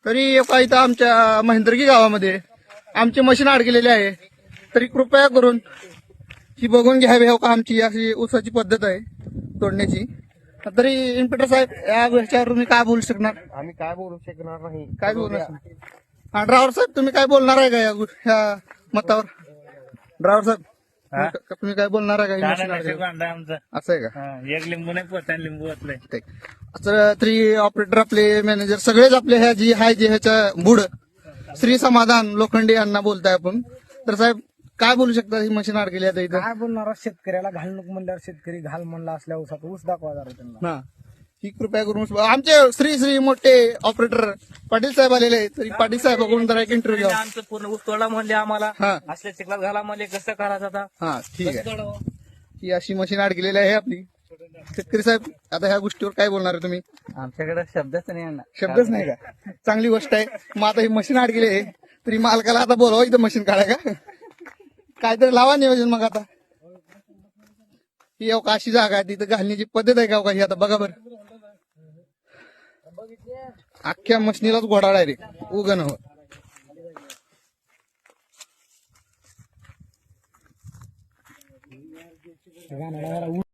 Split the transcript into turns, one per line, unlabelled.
तरी एका इथं आमच्या महेंद्रगी गावामध्ये आमची मशीन अडकलेली आहे. तरी कृपया करून ही बघून घ्यावी हो का आमची अशी ऊसाची पद्धत आहे तोडण्याची. तरी इन्स्पेक्टर साहेब या गोष्टीवर तुम्ही काय बोलू शकणार?
आम्ही काय बोलू शकणार नाही.
काय बोलणार? हा ड्रायव्हर साहेब तुम्ही काय बोलणार आहे का या मतावर? ड्रायव्हर साहेब तुम्ही काय बोलणार आहे का? असं आहे का?
एक लिंबू नाही पोचता लिंबू वाचलंय.
असं तरी ऑपरेटर आपले मॅनेजर सगळेच आपले ह्या जी हाय जे ह्याच्या बुड श्री समाधान लोखंडे यांना बोलताय आपण. तर साहेब काय बोलू शकता? ही मशीन अडकली आता इथं.
काय बोलणार शेतकऱ्याला घाल नको म्हणल्यावर शेतकरी घाल म्हणला असल्या ऊसात ऊस दाखवा जरा त्यांना.
हा ही कृपया करून आमचे श्री मोठे ऑपरेटर पाटील साहेब आलेले आहेत. तरी पाटील साहेबांकडून जरा एक इंटरव्ह्यू घ्या.
आमचं पूर्ण ऊस तोडा म्हणले आम्हाला.
हा
असल्या चिखलात घाला म्हणले कसं करायचं आता?
हा ठीक आहे. ही अशी मशीन अडकलेली आहे आपली. शेतकरी साहेब आता ह्या गोष्टीवर काय बोलणार आहे तुम्ही?
आमच्याकडे शब्दच नाही आणणार.
शब्दच नाही का? चांगली गोष्ट आहे. मग आता ही मशीन अडकली आहे तरी मालकाला आता बोलावं इथं मशीन काढा का? काहीतरी लावा नियोजन मग आता. ही अवका अशी जागा आहे तिथं घालण्याची पद्धत आहे का अवका ही? आता बघा बरं अख्ख्या मशीनीलाच घोडाळा आहे रे उगन हो.